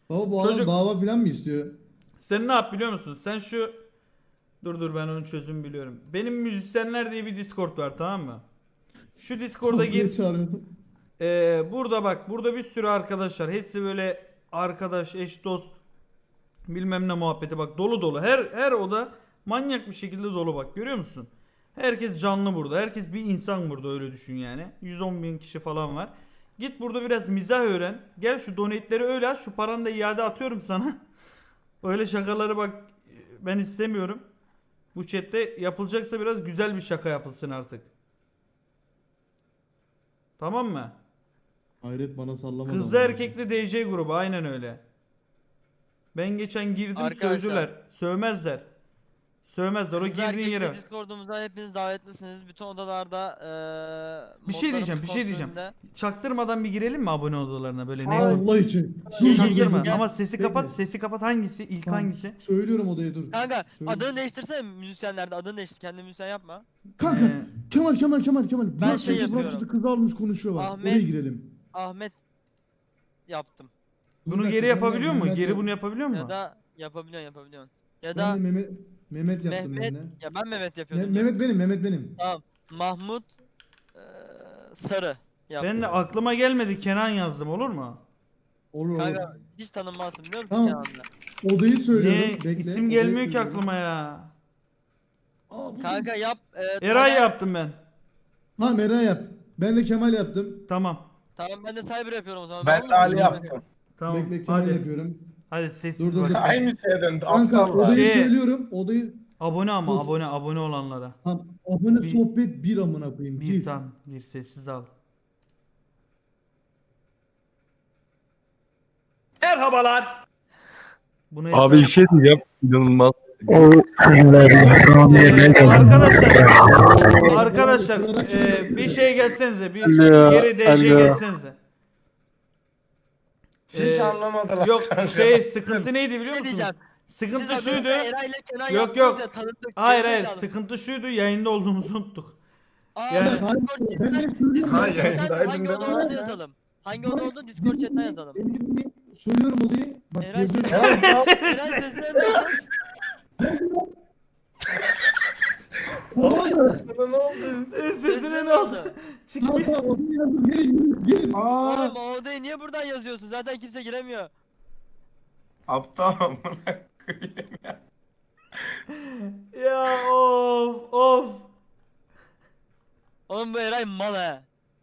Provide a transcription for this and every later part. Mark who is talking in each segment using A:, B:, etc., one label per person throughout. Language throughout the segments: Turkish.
A: Baba bu adam
B: Çocuk
A: dava falan mı istiyor?
B: sen ne yap biliyor musun? Sen şu dur ben onun çözümünü biliyorum. Benim müzisyenler diye bir Discord var, tamam mı? Şu Discord'a
A: Kavgaya
B: gir.
A: çağırıyorum.
B: Burada bak, burada bir sürü arkadaşlar. Hepsi böyle arkadaş, eş, dost, bilmem ne muhabbeti, bak dolu dolu. Her oda manyak bir şekilde dolu, bak görüyor musun? Herkes canlı burada. Herkes bir insan burada, öyle düşün yani. 110 bin kişi falan var. Git burada biraz mizah öğren. Gel şu donate'leri öyle aç. Şu paranı da iade atıyorum sana. Öyle şakaları bak ben istemiyorum. Bu chatte yapılacaksa biraz güzel bir şaka yapılsın artık. Tamam mı?
A: Hayret bana sallamadı
B: Kızlı
A: amına koyayım.
B: erkekli DJ grubu aynen öyle. Ben geçen girdim,
C: Arkadaşlar,
B: sövdüler. Sövmezler. Sövmezler, o
C: kızlı
B: girdiğin
C: erkekli
B: yere.
C: Discord'umuza hepiniz davetlisiniz. Bütün odalarda
B: Bir şey diyeceğim,
C: modlarımız
B: bir şey diyeceğim.
C: kontrolünde.
B: Çaktırmadan bir girelim mi abone odalarına böyle net?
A: Allah için.
C: Şey,
B: Çaktırma
C: gel.
B: ama sesi kapat,
A: Bekle.
B: sesi kapat, hangisi? İlk
A: Tamam,
B: hangisi?
A: söylüyorum odaya dur.
C: Kanka
A: Söyle.
C: adını değiştirsene müzisyenlerde, adını değiştir. Kendi müzisyen yapma.
A: Kanka
B: Ee,
A: Kemal.
C: Ben
A: Bırak
C: şey
A: sesi, bırak
C: yapıyorum.
A: işte kızı almış konuşuyor bak.
C: Ahmet.
A: Oraya girelim.
C: Ahmet yaptım.
A: Dur
B: Bunu
A: bir
B: geri
A: dakika, ben de
B: yapabiliyor mu?
A: Mehmet
B: Geri
A: yap-
B: bunu yapabiliyor
C: Ya
B: mu?
C: da yapabiliyorsun. Ya
A: Ben de
C: da
A: Mehmet yaptım ben
C: Mehmet.
A: de.
C: Ya ben Mehmet yapıyordum. Dur.
A: Mehmet benim.
C: Tamam. Mahmut eee, Sarı yaptım.
B: Ben de aklıma gelmedi, Kenan yazdım, olur mu?
A: Olur.
C: Kanka hiç tanınmazsın biliyor musun
A: Tamam.
C: Kenan'la?
A: Odayı söylüyorum.
B: Ne?
A: Bekle.
B: İsim
A: odayı
B: gelmiyor ki
A: söylüyorum.
B: aklıma ya.
A: Aa, buldum.
C: Kanka yap.
B: Eray
C: Taner.
B: yaptım ben.
A: Tamam Eren yap. Ben de Kemal yaptım.
B: Tamam.
C: Tamam ben de Cyber yapıyorum o zaman.
D: Ben
C: Olur
D: de
C: mu?
D: Ali yaptım.
B: Tamam.
A: Bekle Kemal
B: Hadi.
A: yapıyorum.
B: Hadi sessiz
A: Dur.
B: bak.
D: Aynı şeye döndü.
A: Kanka
D: Aptallar.
A: odayı
B: Şey-
A: söylüyorum. Odayı
B: Abone ama
A: Dur.
B: abone olanlara.
A: tamam. Abone
B: Bir-
A: sohbet bir amına koyayım.
B: Bir tam bir sessiz al. Merhabalar. Bunu
E: Abi bir şey diyeceğim. İnanılmaz.
B: arkadaşlar bir şey gelsenize, bir
F: Alo,
B: geri DC
F: alo.
B: gelsenize.
D: Hiç anlamadılar.
B: Yok
D: kanka.
B: sıkıntı neydi biliyor
C: Ne
B: musunuz?
C: diyeceğim?
B: Sıkıntı
C: Siz
B: şuydu.
C: adınızda Eray ile Kenan
B: Yok,
C: yaptınız
B: yok.
C: ya, tanıdık.
B: Hayır
C: gerizekalı.
B: sıkıntı şuydu, yayında olduğumuzu unuttuk.
C: Aa,
B: Yani-
C: Discord
D: Ha,
C: chatten
D: yayındaydım
C: hangi
D: değil
C: oda
D: mi
C: olduğunu
D: ya?
C: yazalım. Hangi oda olduğunu Discord chatten yazalım.
A: Söylüyorum odayı. Bak
C: Eray
A: yazıyorum.
C: Eray sesini duyuyoruz.
D: Sana ne oldu?
B: Sesine ne oldu? Çık
A: Tamam
B: git.
A: tamam odayı yazdım. Gelin.
D: Aa,
C: Oğlum o odayı niye buradan yazıyorsun? Zaten kimse giremiyor.
D: aptal amına.
B: Ya of.
C: Oğlum bu Eray mal he.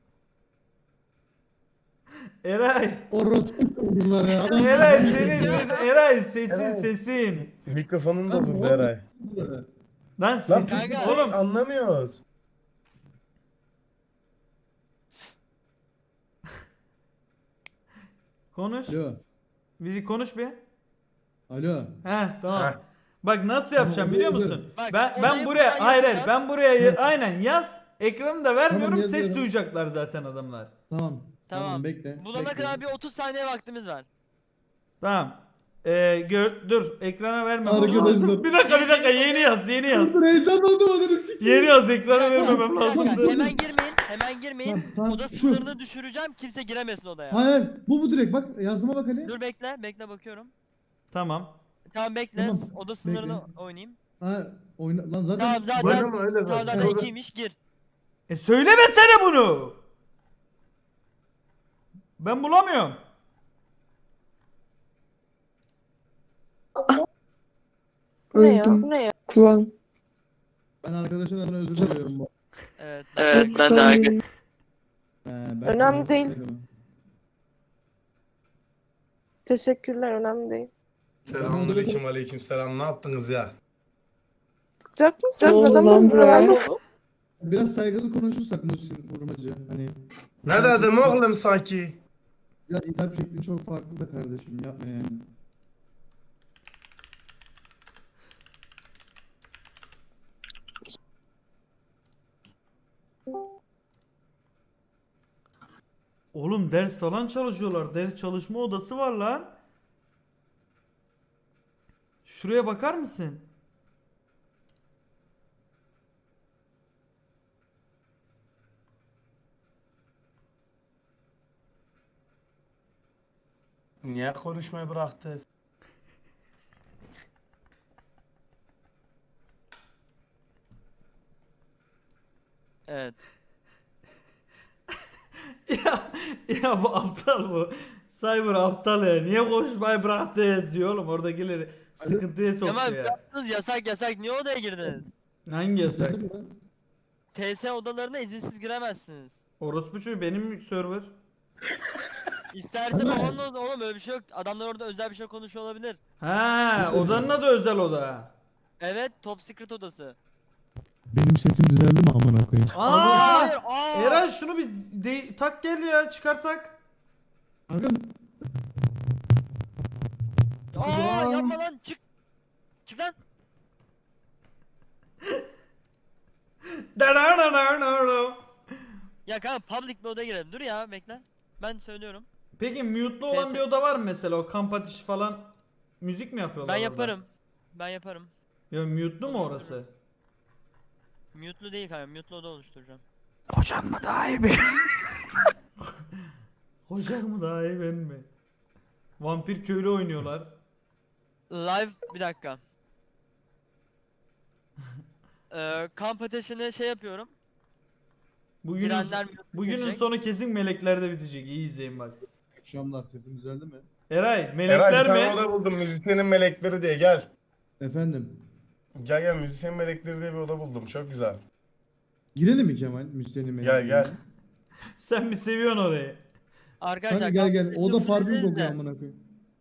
B: Eray.
A: Orospu bunlar ya. Adam-
B: Eray Eray sesin
D: Eray.
B: sesin.
D: Mikrofonun bozuldu Eray.
B: Lan
D: Lan
B: sesin.
C: Kanka.
B: Oğlum.
D: anlamıyoruz.
B: Konuş.
A: Alo.
B: Bir konuş bir.
A: Alo.
B: He tamam.
D: Heh.
B: Bak nasıl yapacağım biliyor musun?
C: Bak,
B: Ben
C: olayı
B: buraya
C: buradan
B: hayır
C: yazacağım.
B: ben buraya aynen yaz. Ekranı da vermiyorum,
A: Tamam,
B: ses
A: yazıyorum.
B: duyacaklar zaten adamlar.
A: Tamam.
C: Tamam.
A: Bekle.
C: Bulana
A: bekle.
C: kadar bir 30 saniye vaktimiz var.
B: Tamam. Dur ekrana vermem.
A: Arkadaşlar.
B: Bir dakika yeni yaz.
A: Dur heyecan oldum ananı sikeyim.
B: Yeni yaz, ekrana vermemem
C: Bir dakika,
B: lazım.
C: hemen girmeyin.
A: Tamam,
C: Oda
A: şu.
C: sınırını düşüreceğim. Kimse giremesin odaya.
A: Hayır. Bu direkt bak yazdıma bak Ali.
C: Dur bekle bakıyorum.
B: Tamam.
C: Tamam bekle.
A: Tamam,
C: Oda sınırını oynayayım.
A: Ha oyna lan zaten.
C: Tamam zaten.
D: Böyle mi? Öyle
C: Tamam
D: zaten.
C: zaten ikiymiş gir.
B: Söylemesene bunu. Ben bulamıyorum.
G: Bu ne ya?
F: Öldüm.
G: Bu ne ya?
F: Kulağım.
A: Ben arkadaşlardan özür diliyorum bu.
C: Evet.
F: Ben de abi.
A: Ben
G: Önemli değil. Teşekkürler, önemli değil.
D: Selamünaleyküm, aleyküm selam. Ne yaptınız ya?
G: Sıcak mı? Sıcak
F: Oğlum
G: neden
F: lan
G: misin?
F: buraya.
G: Önemli oldu.
A: Biraz saygılı konuşursak Muhsin Vurmacı. Hani
D: Ne dedim oğlum sanki?
A: ya hitap şekli çok farklı da kardeşim yapma yani.
B: Oğlum ders falan çalışıyorlar. Ders çalışma odası var lan. Şuraya bakar mısın?
D: Niye konuşmayı bıraktı?
C: Evet.
B: ya bu aptal bu. Cyber aptal ya. Niye konuşmayı bıraktınız diyor oğlum. Oradakileri sıkıntıya
C: Kemal
B: sokuyor ya.
C: yaptınız yasak niye odaya girdiniz?
B: Hangi yasak?
A: Geldi mi lan?
C: TS odalarına izinsiz giremezsiniz.
B: Orospu çocuğu benim server.
C: İsterse babanın oğlum öyle bir şey yok. Adamlar orada özel bir şey konuşuyor olabilir.
B: Ha, odanın adı özel oda.
C: Evet, top secret odası.
A: Benim sesim düzeldi mi amına koyayım?
B: Aa!
C: Hayır, aa!
B: Eren şunu bir tak gel ya, çıkar tak.
A: Kanka
C: Aa, yapma lan, çık. Çık lan. Ya kanka public bir odaya girelim. Dur ya, bekle. Ben söylüyorum.
B: Peki mute'lu olan bir oda var mı mesela, o kamp ateşi falan müzik mi yapıyorlar
C: Ben
B: orada?
C: yaparım. Ben yaparım.
B: Ya mute'lu mu orası?
C: Mute'lu değil kanka, mute'lu oda oluşturacağım.
B: Hocan mı daha iyi ben? Hocan mı daha iyi ben mi? Vampir köylü oynuyorlar.
C: Live, bir dakika. Kamp ateşini şey yapıyorum.
B: Bugünün,
C: Girenler
B: bugünün
C: girecek.
B: sonu kesin meleklerde bitecek. İyi izleyin bak.
A: akşamlar sesim düzeldi mi?
B: Eray,
D: Eray bir
B: melekler
D: tane
B: mi?
D: oda buldum. Müzisyenin melekleri diye gel.
A: Efendim.
D: Gel müzisyen melekleri diye bir oda buldum. Çok güzel.
A: Girelim mi Kemal? Müslüman'ın
D: Gel.
B: Sen mi seviyorsun orayı?
C: Arkadaşlar
A: Kanka gel gel.
C: kamp
A: O da
C: ateşini
A: parfüm
C: fulllediniz
A: kokuyor
C: de.
A: amına koyayım.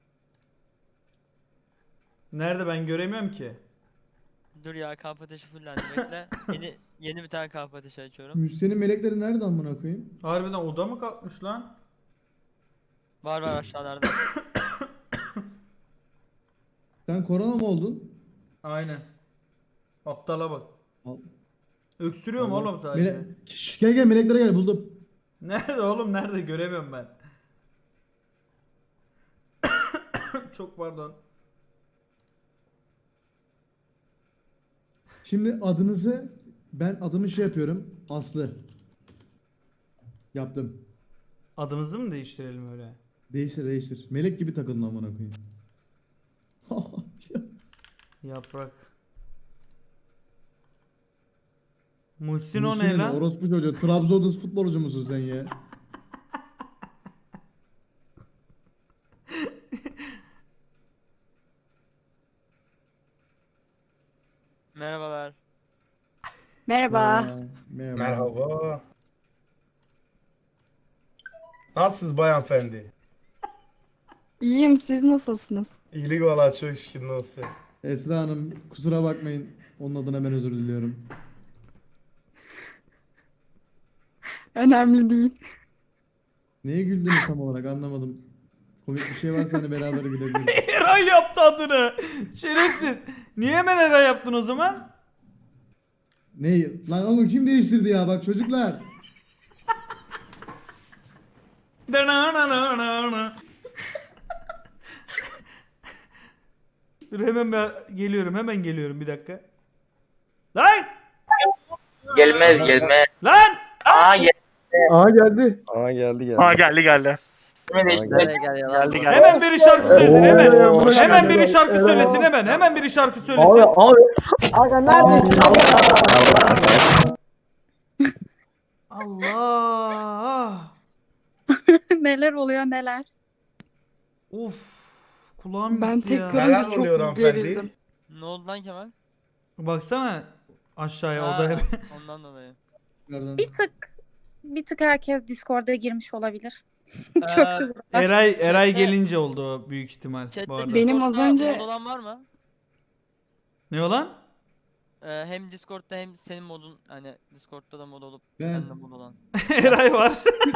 B: Nerede, ben göremiyorum ki.
C: Dur ya, kamp ateşi fullendi, bekle. Yeni bir tane kamp ateşi açıyorum.
A: Müslüman'ın melekleri nerede amına koyayım?
B: Harbiden oda mı kalkmış lan?
C: Var aşağılarda.
A: Sen korona mı oldun?
B: Aynen. Aptala bak.
A: Al.
B: Öksürüyorum
A: Allah.
B: oğlum sadece.
A: Şş, gel meleklere gel buldum.
B: Nerede oğlum, nerede, göremiyorum ben. Çok pardon.
A: Şimdi adınızı ben adımı şey yapıyorum. Aslı. Yaptım.
B: Adımızı mı değiştirelim öyle?
A: Değiştir. Melek gibi takılın amına koyayım.
B: Yaprak. Muhsin o ne
A: Müslüman
B: lan?
A: orospu çocuğu. Trabzon'da futbolcu musun sen ya?
C: Merhabalar.
G: Merhaba.
A: Merhaba.
D: Merhaba. Nasılsınız bayan efendi?
G: İyiyim, siz nasılsınız?
D: İyilik valla çok şükür nasıl?
A: Esra Hanım kusura bakmayın. Onun adına ben özür diliyorum.
G: Önemli değil.
A: Neye güldünüz tam olarak anlamadım. Komik bir şey varsa hani beraber gülebiliriz.
B: Eray yaptı adını. Şerefsiz. Niye hemen Eray yaptın o zaman?
A: Neyi? Lan oğlum kim değiştirdi ya bak çocuklar.
B: Dur hemen ben geliyorum, hemen geliyorum, bir dakika. Lan!
F: Gelmez.
B: Lan!
F: Aa geldi.
E: Aa geldi.
F: Geldi.
B: Hemen biri şarkı söylesin hemen. Hemen biri şarkı söylesin hemen. Hemen biri şarkı söylesin. Allah!
H: Neler oluyor neler?
B: Of! Kulağım
G: Ben
B: gitti
G: tek
B: ya.
D: Neler
G: görünce
D: oluyor
G: çok
D: hanımefendi?
G: gerildim.
C: Ne oldu lan Kemal?
B: Baksana aşağıya
C: Ha,
B: odaya.
C: ondan dolayı.
A: Nereden?
H: Bir tık herkes Discord'a girmiş olabilir. Çöktü burada.
B: Eray
C: Chatte-
B: gelince oldu o büyük ihtimal
C: Chat'te
B: bu arada.
G: Benim az
C: Discord'da
G: önce-
C: mod olan var mı?
B: Ne olan?
C: Hem Discord'da hem senin modun, hani Discord'da da mod olup
A: Ben.
C: bende mod olan.
B: Eray var.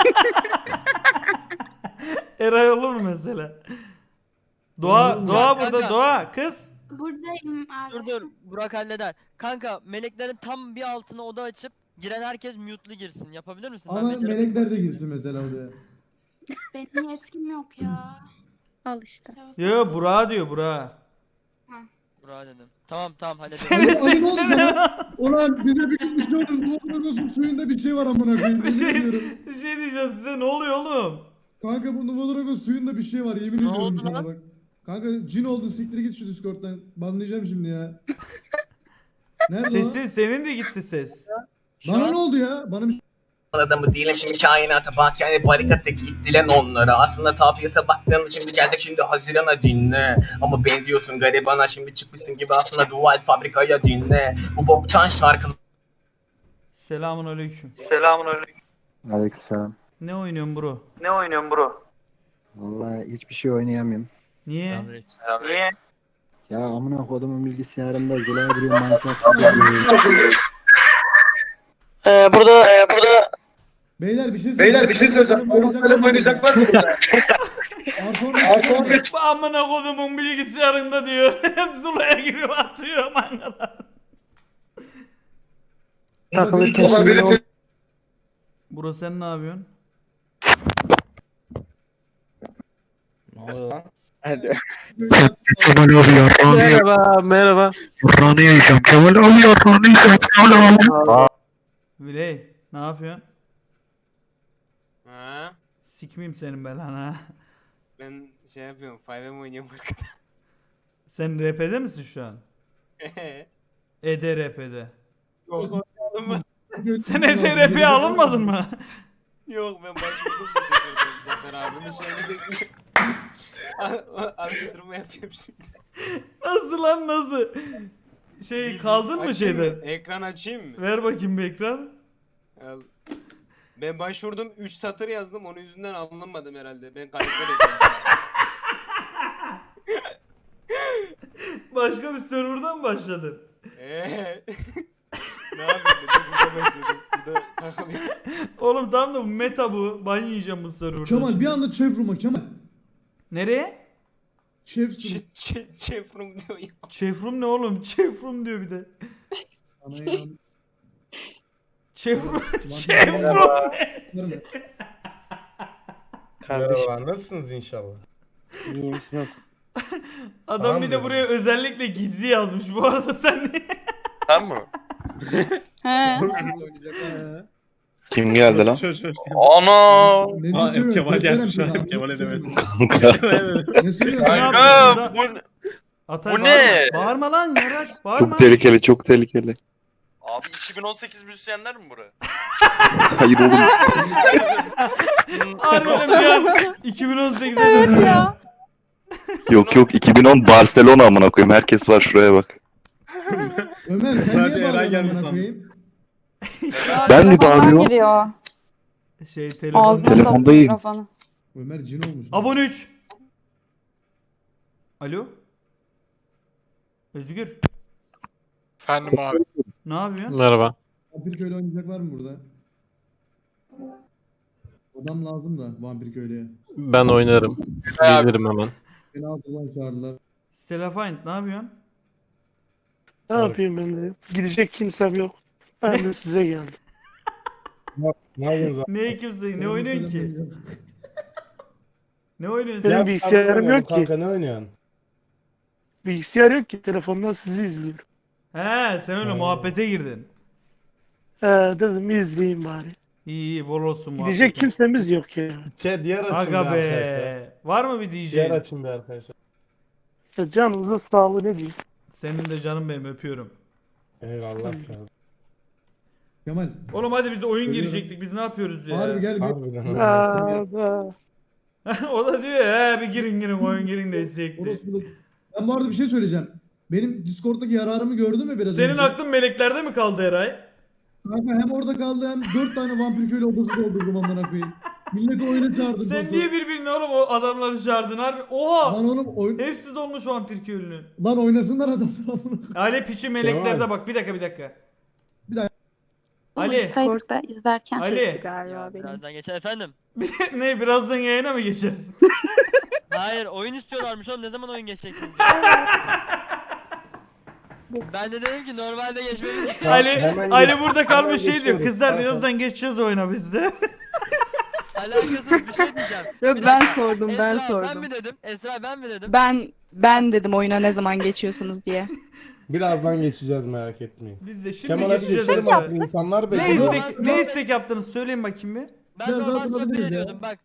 B: Eray olur mu mesela? Doğa
A: Olur mu?
B: Doğa
C: Ya
B: burada,
C: kanka.
B: Doğa kız.
I: Buradayım abi.
C: Dur Burak halleder. Kanka meleklerin tam bir altına oda açıp giren herkes mute'lu girsin. Yapabilir misin?
A: Ama
C: beceremiyorum.
A: melekler de girsin mesela oraya.
I: Benim yetkim yok ya.
H: Al işte.
I: Şey olsa-
B: Yo Burak'a diyor, Burak'a.
C: Burak dedim. Tamam hallederim.
B: Senin
A: Ali ne oldu
B: sesini-
A: sana? Ulan bize bir gün bir şey olur. Bu olsun suyunda bir şey var amına koyayım.
B: Bir şey,
A: Yemin ediyorum.
B: bir şey diyeceğim size, ne oluyor oğlum?
A: Kanka bu Nuvolarago suyunda bir şey var yemin
C: Ne
A: ediyorum
C: oldu
A: sana
C: lan?
A: bak. Kanka cin oldun siktir git şu Discord'dan. Banlayacağım şimdi ya. Nerede
B: Sesin senin de gitti ses.
A: o? Bana ne oldu ya? Bana bir
J: Adamı değilim şimdi kainata bak yani barikatta gittilen onlara. Aslında tabiata baktın şimdi geldik şimdi Haziran'a dinle. Ama benziyorsun garibana şimdi çıkmışsın gibi aslında dual fabrikaya dinle. Bu boktan şarkı.
B: Selamun aleyküm.
K: Aleykümselam.
B: Ne oynuyorsun bro?
F: Ne oynuyorsun bro?
K: Vallahi hiçbir şey oynayamıyorum.
B: Niye?
F: Niye?
K: Ya amına kodumun bilgisayarında zilaya giriyor Minecraft.
F: Burada
A: Beyler bir şey söyleyeceğim. Oynayacaklar mı burada? Arson
B: Amına kodumun bilgisayarında diyor. Zula'ya giriyor atıyor mangalar.
K: Takılırken şimdi
B: Bro sen ne yapıyorsun?
K: Kemal abi yarrağını
F: Merhaba.
K: yarrağını yiyeceğim. Kemal abi yarrağını yiyeceğim. Kemal abi.
B: Viley ne yapıyorsun?
L: Ha,
B: Sikmeyeyim senin belanı ha.
L: ben şey yapıyorum, 5M oynuyorum arkada.
B: Sen RP'de misin şu an? EDRP'de.
L: Yok,
B: Sen EDRP'ye alınmadın mı?
L: yok ben başvurdum da tekrardan Zafer abimin şeyini bekliyorum. Alıştırma yapıyorum şimdi.
B: Nasıl lan nasıl? Şey kaldın mı
L: Açayım
B: şeyde?
L: mı? Ekran açayım mı?
B: Ver bakayım bir ekran.
L: Al. Ben başvurdum 3 satır yazdım onun yüzünden alınmadım herhalde. Ben kayıtlar ekledim.
B: Başka bir serverdan mı başladın?
L: Ne yapayım ben de burada başladım. Burada takılıyorum.
B: Oğlum tamam da bu meta bu. Ban yiyeceğim bu serverda.
A: Kemal bir anda Chevroom'a Kemal.
B: Nereye?
A: Chevroom.
L: Chevron diyor ya.
B: Chevroom ne oğlum? Chevroom diyor bir de.
A: Ana inan.
B: Chevroom. Chevroom ne?
D: Merhabalar, nasılsınız inşallah?
K: İyi misiniz?
B: Adam bir de buraya özellikle gizli yazmış bu arada sen ne?
F: Sen mi?
G: He.
E: Kim geldi lan?
F: Ana!
A: Ne diyorsun?
E: Kemal gelmiş
A: Gösterem
E: ha,
A: sana.
E: Kemal edemedim.
A: Ne söylüyorsun?
F: Kanka bu
B: Atay,
F: Bu ne?
B: Bağırma lan yarak. Bağırma.
E: Çok tehlikeli, çok tehlikeli.
F: abi 2018 müzisyenler mi bura?
E: Hayır oğlum.
B: Harbiden bir an 2018'de
G: Evet
B: döndüm.
G: ya.
E: Yok yok 2010 Barcelona amına koyayım. Herkes var şuraya bak.
A: Ömer sen
E: Sadece
A: niye
E: Eren
A: bağırdın
E: gelmiş
A: amına
E: sandım.
A: koyayım?
E: Ben mi
G: Telefondan
E: bağırıyorum?
G: giriyor.
B: Şey telefon.
G: Ağzına soktu
E: Telefondayım.
G: mikrofonu.
A: Ömer cin olmuş.
B: Abone 3. Alo. Özgür.
L: Efendim abi.
B: Ne yapıyorsun?
L: Merhaba.
A: Vampir köylü oynayacak var mı burada? Adam lazım da vampir köylüye.
L: Ben oynarım. Bilirim hemen.
A: Beni altıdan çağırdılar.
B: Stella ne yapıyorsun?
K: Ne yapayım ben de? Gidecek kimsem yok. Ben de size geldim.
D: Ne yapıyorsunuz abi?
B: Ne kimse ne oynuyorsun ki? Ne oynuyorsun?
K: Benim
D: Gel,
K: bilgisayarım
D: kanka,
K: yok ki.
D: Kanka ne oynuyorsun?
K: Bilgisayar yok ki. Telefondan sizi izliyorum.
B: He sen öyle muhabbete girdin.
K: Dedim izleyeyim bari.
B: İyi iyi bol olsun
K: Gidecek
B: muhabbetin.
K: kimsemiz yok ya.
D: Diğer açın
B: Aga
D: bir arkadaşlar.
B: be. Var mı bir DJ?
D: Diğer açın bir arkadaşlar.
K: Canınızın sağlığı ne diyeyim.
B: Senin de canım benim öpüyorum.
D: Eyvallah. kardeşim.
A: Kemal.
B: Oğlum hadi biz oyun
A: Ölüyorum.
B: girecektik biz ne yapıyoruz ya?
A: Harbi gel bir.
D: Harbiden.
K: Da.
B: O da diyor ya bir girin oyun girin de izleyecekti.
A: Orospu. Ben bu arada bir şey söyleyeceğim. Benim Discord'daki yararımı gördün mü biraz
B: Senin
A: önce?
B: aklın meleklerde mi kaldı Eray?
A: Kanka hem orada kaldı hem 4 tane vampir köylü odası doldurdum amına koyayım. Milleti oyuna çağırdım.
B: Sen
A: nasıl?
B: niye birbirine oğlum o adamları çağırdın harbi? Oha!
A: Lan oğlum
B: Hepsi dolmuş vampir köylünün.
A: Lan oynasınlar adamlar amına.
B: Ali piçi meleklerde
D: Kemal.
B: bak bir dakika.
A: Bir dakika.
B: Ali
H: Discord'da izlerken.
B: Ali
G: Galiba benim.
C: Birazdan geçer efendim.
B: ne birazdan yayına mı geçersin?
C: Hayır oyun istiyorlarmış oğlum ne zaman oyun geçeceksiniz? Ben de dedim ki normalde geçmemiz
B: Ali burada kalmış şey diyor.
D: geçiyoruz.
B: Kızlar
D: Zaten.
B: birazdan geçeceğiz oyuna biz de.
C: alakasız bir şey diyeceğim.
G: Yok
C: Bir
G: ben
C: dakika.
G: sordum ben
C: Esra, Ben
G: sordum.
C: mi dedim? Esra ben mi dedim?
G: Ben dedim oyuna ne zaman geçiyorsunuz diye.
D: Birazdan geçeceğiz merak etmeyin.
B: Biz de şimdi
D: Kemal hadi
B: geçeceğiz.
D: geçelim
B: oyuna.
D: abi. İnsanlar
B: Ne
D: bekliyor.
B: istek yaptınız söyleyin bakayım bir.
C: Ben
A: Biraz
C: normal
A: daha
C: sohbet
A: konuşabiliriz ya.
C: ediyordum bak.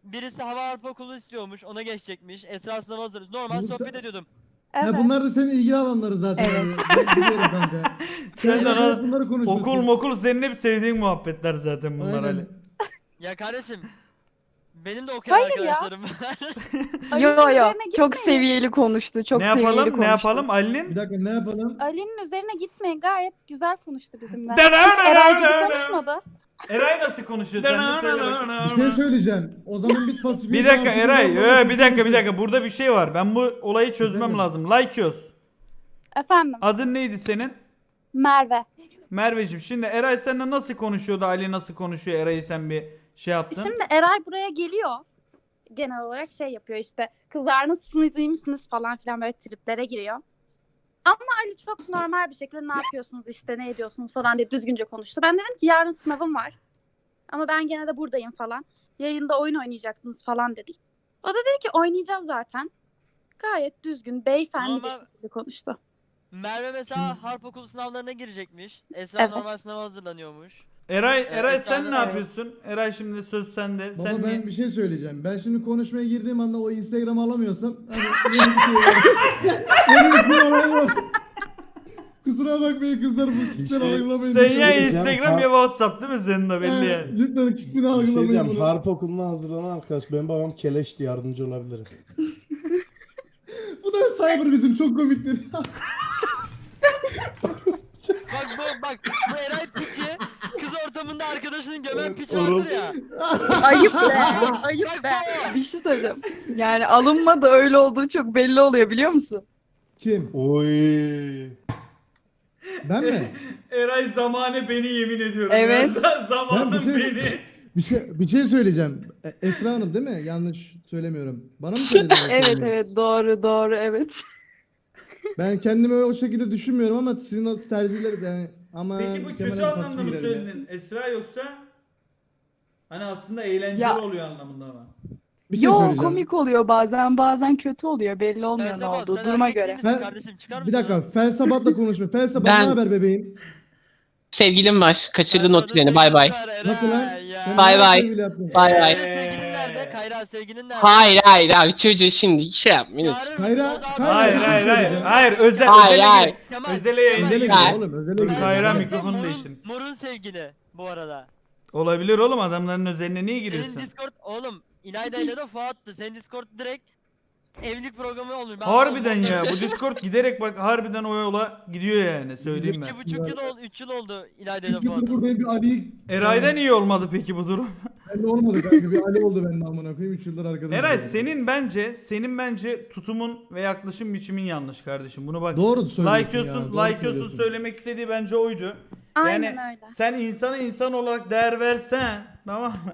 C: birisi hava harp okulu istiyormuş. Ona geçecekmiş. Esra sınava hazırız. Normal
A: Bu-
C: sohbet ediyordum.
H: Evet.
A: Ya bunlar da senin ilgili alanları zaten.
G: Evet.
A: Yani. Ben biliyorum kanka.
B: Sen de lan
A: bunları konuşuyorsun.
B: okul mokul senin hep sevdiğin muhabbetler zaten bunlar
A: Aynen.
B: Ali.
C: Ya kardeşim. Benim de okuyan
H: Hayır ya.
C: arkadaşlarım var.
G: Yo yo
H: üzerine
G: çok
H: gitmeyin.
G: seviyeli konuştu. Çok
B: Ne
G: seviyeli
B: yapalım?
G: konuştu.
B: Ne yapalım? Ali'nin
A: Bir dakika ne yapalım?
H: Ali'nin üzerine gitmeyin. Gayet güzel konuştu bizimle.
B: Da- da-
H: Hiç
B: da-
H: Eray
B: da-
H: gibi
B: da-
H: konuşmadı.
B: Eray nasıl konuşuyor sen de söyle bakayım.
A: Bir şey söyleyeceğim. O zaman biz pasif.
B: Bir dakika Eray, bir dakika burada bir şey var. Ben bu olayı çözmem
A: Efendim?
B: lazım. Lykios.
H: Efendim.
B: Adın neydi senin?
H: Merve.
B: Merveciğim. Şimdi Eray seninle nasıl konuşuyordu? Ali nasıl konuşuyor? Eray'ı sen bir şey yaptın.
H: Şimdi Eray buraya geliyor. Genel olarak şey yapıyor işte. Kızlar nasılsınız, iyi misiniz falan filan böyle triplere giriyor. Ama Ali çok normal bir şekilde ne yapıyorsunuz işte ne ediyorsunuz falan diye düzgünce konuştu. Ben dedim ki yarın sınavım var. Ama ben gene de buradayım falan. Yayında oyun oynayacaktınız falan dedik. O da dedi ki oynayacağım zaten. Gayet düzgün, beyefendi bir
C: Normal-
H: şekilde konuştu.
C: Merve mesela harp okulu sınavlarına girecekmiş. Esra
H: Evet.
C: normal sınava hazırlanıyormuş.
B: Eray
C: Evet,
B: sen ne
C: evet.
B: yapıyorsun? Eray şimdi söz sende.
A: Baba
B: Sen
A: ben
B: niye-
A: bir şey söyleyeceğim. Ben şimdi konuşmaya girdiğim anda o Instagram'ı alamıyorsam hani yeni bir şey var. Yeni bir şey var. Kusura bakmayın kızlar bu kişisel
M: şey-
A: algılamayın.
B: Sen
A: lütfen.
B: ya
M: söyleyeceğim.
B: Instagram ya WhatsApp değil mi senin de belli
A: He,
B: yani.
A: Lütfen kişisel
M: Bir şey
A: algılamayın
M: diyeceğim.
A: bunu.
M: Harp okuluna hazırlanan arkadaş. Benim babam keleşti. Yardımcı olabilirim.
A: Bu da cyber bizim çok komiktir.
C: Bak bu Eray piçi kız ortamında arkadaşının gömen piçi
M: Orospu.
C: vardır ya.
H: Ayıp be, ayıp
C: Bak
H: be.
C: bu.
G: Bir şey söyleyeceğim. Yani alınma da öyle olduğu çok belli oluyor biliyor musun?
A: Kim?
M: Oy.
A: Ben mi?
B: Eray zamanı beni yemin ediyorum.
G: Evet.
B: Ya. Zamanın
A: Ben bir şey-
B: beni.
A: Bir şey söyleyeceğim. Esra Hanım değil mi? Yanlış söylemiyorum. Bana mı söyledin?
G: Evet evet doğru evet.
A: Ben kendimi o şekilde düşünmüyorum ama sizin o tercihler yani ama
B: Peki bu kötü
A: Kemal'in
B: anlamda
A: tasviri
B: mı
A: girerim ya.
B: söyledin Esra yoksa hani aslında eğlenceli
G: Ya-
B: oluyor anlamında mı?
A: Bir şey
G: Yo
A: söyleyeceğim.
G: komik oluyor bazen kötü oluyor belli olmuyor ne
C: Felsefe,
G: olduğu
C: sen
G: duruma
C: erkek değil
G: göre.
C: misin
A: Ben-
C: kardeşim? Çıkar
A: Bir
C: mısın?
A: dakika Felsabat'la konuşma. Felsabat
N: Ben-
A: ne haber bebeğim?
N: Sevgilim var. Kaçırdın o
C: Ferhat'ın
N: treni. Bay bay.
C: sevgilisi var,
A: Nasıl lan?
C: Eray ya.
A: Sen
N: Bay
A: ne
N: bay.
A: sevgili yaptın?
N: Bay bay.
C: Kayra sevgilin nerede? Kayra sevgilin nerede?
N: Hayır abi çocuğu şimdi şey yapmayın.
C: Çağırır mısın?
A: Kayra-
C: O da
A: Kayra-
B: Hayır
A: bir şey
B: hayır hayır.
A: söyleyeceğim.
B: Hayır özel
N: Hayır,
B: özele
N: hayır.
B: gidin.
C: Kemal,
B: Özele yayına
A: Özele
B: gidin.
A: gidiyor
N: Hayır.
A: oğlum. Özele
C: Ben
A: gidiyor.
B: Kayra
C: zaten
B: mikrofonu
C: Mor'un-
B: değiştirin.
C: Mor'un sevgili bu arada.
B: Olabilir oğlum adamların özeline niye
C: Senin
B: giriyorsun?
C: Discord oğlum İlayda ile de Fuat'tı. Senin Discord direkt evlilik programı olmuş. Ben
B: Harbiden
C: anlamadım.
B: ya bu Discord giderek bak harbiden o yola gidiyor yani söyleyeyim ben.
C: 2,5 yıl oldu, 3 yıl oldu İlayda ile
A: 3 yıldır
C: Fuat'ın.
A: buradayım bir Ali.
B: Eray'da niye olmadı peki bu durum?
A: Bende olmadı kanka. Bir Ali oldu bende amına koyayım. 3 yıldır arkadaşım.
B: Eray senin bence tutumun ve yaklaşım biçimin yanlış kardeşim. Bunu bak.
A: Doğru söylüyorsun
B: Like'yosun,
A: ya. doğru
B: Like'yosun
A: söylüyorsun.
B: söylemek istediği bence oydu.
H: Aynen
B: Yani
H: öyle.
B: sen insana insan olarak değer versen, tamam mı?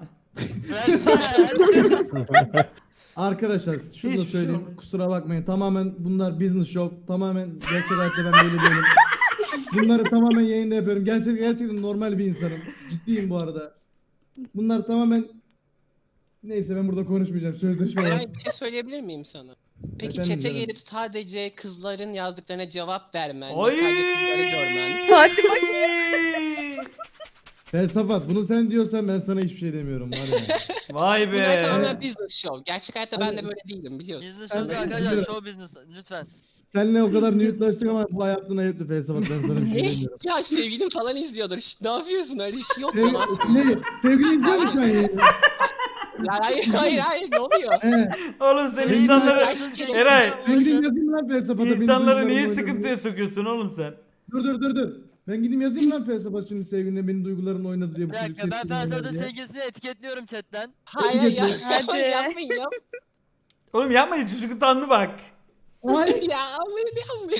A: Arkadaşlar şunu da
B: Hiçbir şey
A: söyleyeyim.
B: olmadı.
A: Kusura bakmayın. Tamamen bunlar business show. Tamamen gerçek hayatta ben böyle değilim. Bunları tamamen yayında yapıyorum. Gerçekten normal bir insanım. Ciddiyim bu arada. Bunlar tamamen neyse ben burada konuşmayacağım. Sözleşme var.
N: Eray bir şey söyleyebilir miyim sana? Peki
A: Efendim
N: chat'e
A: canım.
N: gelip sadece kızların yazdıklarına cevap vermen,
B: Ay!
N: sadece kızları görmen.
H: Hadi bakayım.
A: Felsafat bunu sen diyorsan ben sana hiçbir şey demiyorum var ya.
B: Vay
N: Bunlar
B: be.
N: tamamen business show. Gerçek hayatta ben de böyle değilim biliyorsun.
C: Business
A: Ben-
C: show arkadaşlar
A: biliyorum.
C: show business lütfen.
A: Seninle o kadar nude'laştık ama bu yaptığın ayıptı Felsafat ben sana bir şey
N: Ne?
A: demiyorum.
N: Ya sevgilim falan izliyordur. Şşt, ne yapıyorsun öyle bir şey yok
A: Sev,
N: ya.
A: ne? Sevgili izliyor musun sen yayını?
N: Ya hayır ne oluyor?
A: He.
B: Oğlum sen
A: Sevgili-
B: insanları Eray
A: Ben gideyim yazayım lan Felsafata. benim
B: insanları niye
A: duygularımı
B: sıkıntıya
A: oynadı
B: sokuyorsun oğlum sen?
A: Dur. Ben gideyim yazayım lan Felsafat şimdi sevgiline benim duygularımla oynadı diye. bu
C: Bir
A: çocuk
C: dakika ben
A: sevgilimle oynadı
C: Felsefe'de
A: diye.
C: sevgilisini etiketliyorum chatten.
N: Hayır ya.
H: Hadi.
N: Yapmayın ya.
B: Oğlum yapmayın çocuk utandı bak.
A: Ay.
N: Ya almayın yapmayın.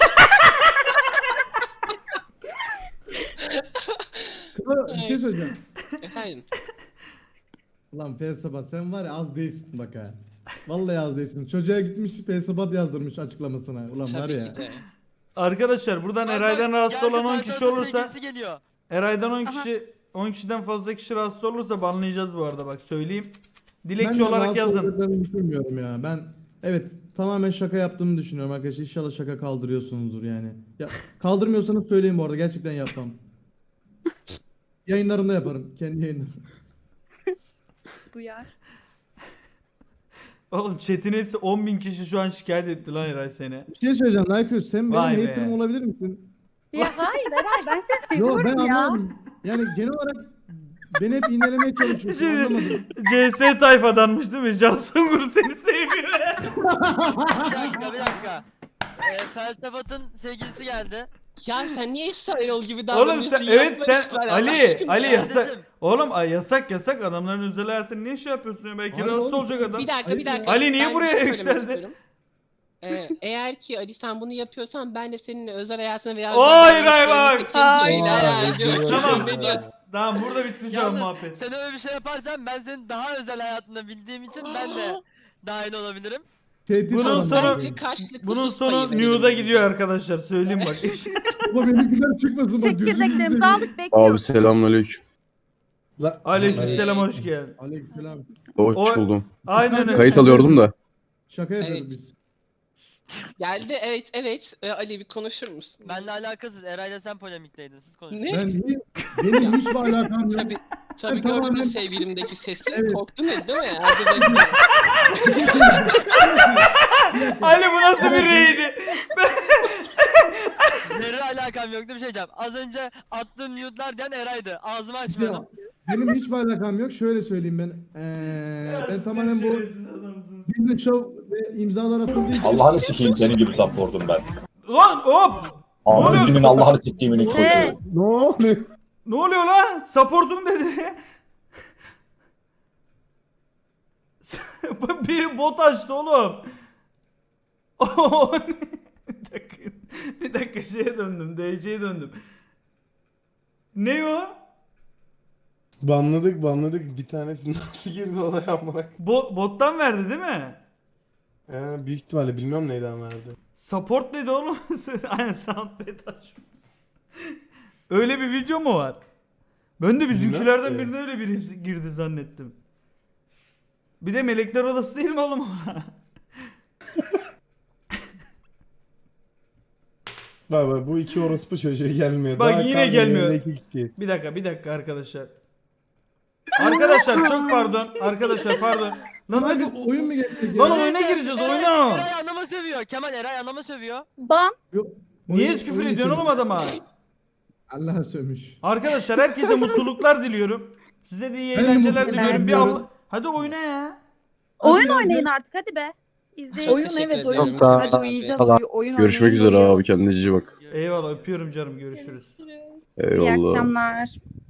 A: Bir şey söyleyeceğim.
N: Efendim.
A: Lan Felsafat sen var ya az değilsin bak ha. Vallahi az değilsin. Çocuğa gitmiş Felsafat yazdırmış açıklamasına. Ulan var
N: Tabii
A: ya.
N: ki de.
B: Arkadaşlar buradan
C: Bak,
B: Eray'dan
C: bak,
B: rahatsız
C: geldi
B: olan 10
C: Felsefe'de
B: kişi olursa
C: sevgilisi geliyor.
B: Eray'dan 10
H: Aha.
B: kişi 10 kişiden fazla kişi rahatsız olursa banlayacağız bu arada bak söyleyeyim.
A: Ben
B: Dilekçe
A: de
B: olarak
A: rahatsız
B: yazın.
A: olduklarını düşünmüyorum ya. Ben evet tamamen şaka yaptığımı düşünüyorum arkadaşlar. İnşallah şaka kaldırıyorsunuzdur yani. Ya, kaldırmıyorsanız söyleyin bu arada. Gerçekten yapmam. Yayınlarımda yaparım. Kendi yayınlarım.
H: Duyar.
B: Oğlum chat'in hepsi 10.000 kişi şu an şikayet etti lan Eray seni.
A: Bir şey söyleyeceğim Lycos, sen
B: Vay
A: benim
B: be.
A: haterim olabilir misin?
H: Ya hayır Eray ben seni
A: Yo
H: seviyorum
A: ben
H: ya.
A: anlamadım. Yani genel olarak beni hep iğnelemeye çalışıyorsun,
B: Şimdi
A: anlamadım.
B: CS tayfadanmış değil mi? Can Sungur seni sevmiyor.
C: Bir dakika. Felsefat'ın sevgilisi geldi.
N: Ya sen niye İsa Erol gibi
B: Oğlum
N: davranıyorsun?
B: sen evet
N: Yapma
B: sen
N: lütfen Allah
B: Ali
N: aşkına ya.
B: yasak. Oğlum yasak adamların özel hayatını niye şey yapıyorsun ya? Belki
A: Hayır
B: rahatsız
A: oğlum,
B: olacak adam.
N: Bir dakika.
B: Ali niye
N: Ben
B: buraya
N: bir şey söylemek
B: yükseldi?
N: istiyorum. Eğer ki Ali sen bunu yapıyorsan ben de senin özel hayatına veya
B: Hayır, hayır.
N: Tamam.
B: Tamam burada bitti şu an
C: Yalnız
B: muhabbet.
C: sen öyle bir şey yaparsan ben senin daha özel hayatını bildiğim için ben de dahil olabilirim.
A: Tehdit
B: Bunun
A: adam
B: sonu
A: benim.
B: bunun sonu New'da gidiyor arkadaşlar söyleyeyim bak.
A: Baba benimkiler çıkmasın bak, gözünü
H: Çekirdeklerimizi
A: seveyim.
H: aldık bekliyoruz.
E: selamünaleyküm.
B: Aleykümselam hoş geldin.
A: Aleykümselam.
E: Hoş
B: O-
E: buldum.
B: Aynen öyle.
E: Kayıt alıyordum da.
A: Şaka yapıyoruz
N: Evet.
A: biz.
N: Geldi evet. Ali bir konuşur musun?
C: Benle alakasız. Eray'la sen polemikteydin. Siz konuşun.
N: Ne?
A: Benim hiçbir alakam yok.
N: Tabii
A: Ben
N: gördüm
A: tamamen-
N: sevgilimdeki sesi.
A: Evet.
N: Korktun değil mi? Hadi bakayım.
B: Ali bu nasıl bir reydi?
C: Zerre alakam yoktu bir şey diyeceğim. Az önce attığım mute'lar diyen Eray'dı. Ağzımı açmadım.
A: Ya, benim hiçbir alakam yok. Şöyle söyleyeyim ben. Ben tamamen bu business show ve imzalar atıldığı için.
O: Allah'ını sikeyim senin gibi supportum ben.
B: Lan hop!
O: Ahmet'imin Allah'ını siktiğimin çocuğu.
A: Ne oluyor?
B: Ne oluyor lan? Supportum dedi. Bir bot açtı oğlum. O ne? Bir dakika şeye döndüm. DC'ye döndüm. Ne o?
M: Banladık. Bir tanesi nasıl girdi olaya amına.
B: Bottan verdi değil mi?
M: Büyük ihtimalle bilmiyorum neyden verdi.
B: Support dedi oğlum. Aynen soundpad aç. Öyle bir video mu var? Ben de bizimkilerden
M: Bilmem ki.
B: birine öyle biri girdi zannettim. Bir de melekler odası değil mi oğlum o?
M: Baba bu iki orospu çocuğu gelmiyor.
B: Bak
M: Daha
B: yine
M: kalmadı,
B: gelmiyor.
M: elindeki kişiyiz.
B: Bir dakika arkadaşlar. Arkadaşlar çok pardon. Arkadaşlar pardon. Lan hadi
A: Oyun mu geçecek
B: lan
A: ya?
B: oyuna gireceğiz oyuna.
C: Eray anama sövüyor. Kemal Eray anama sövüyor.
H: Bam.
A: Yok,
B: Niye
A: oyun-
B: küfür
A: oyun
B: ediyorsun
A: için.
B: oğlum adama?
A: Allah'a sövmüş.
B: Arkadaşlar herkese mutluluklar diliyorum. Size de iyi
A: Ben de
B: eğlenceler
A: mutluluklar
B: diliyorum. Bir
A: diliyorum.
B: Allah... Hadi oyna ya.
H: Oyun
A: ya,
H: oynayın artık hadi be. İzleyin.
G: Oyun
N: Teşekkür
G: evet
N: ederim.
G: oyun.
E: Tamam.
G: Hadi uyuyacağız.
E: Tamam.
G: Oyun
E: Görüşmek
G: oynayın,
E: üzere
G: uyuyalım.
E: abi, kendine iyi bak.
B: Eyvallah öpüyorum canım görüşürüz.
H: İyi
E: Eyvallah.
H: akşamlar.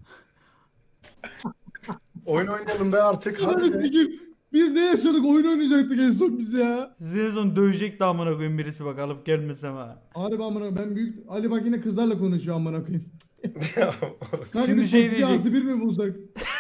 D: Oyun oynayalım be artık.
A: Hadi
D: Hadi be.
A: sikeyim. Biz ne yaşadık? Oyun oynayacaktık en son biz ya.
B: Sizi en son dövecek de amına koyayım birisi bak alıp gelmesem ha.
A: Harbi amına ben büyük Ali bak yine kızlarla konuşuyor amına koyayım. Kanka
B: Şimdi
A: biz
B: şey
A: şey
B: diyecek.
A: artı bir mi bulsak?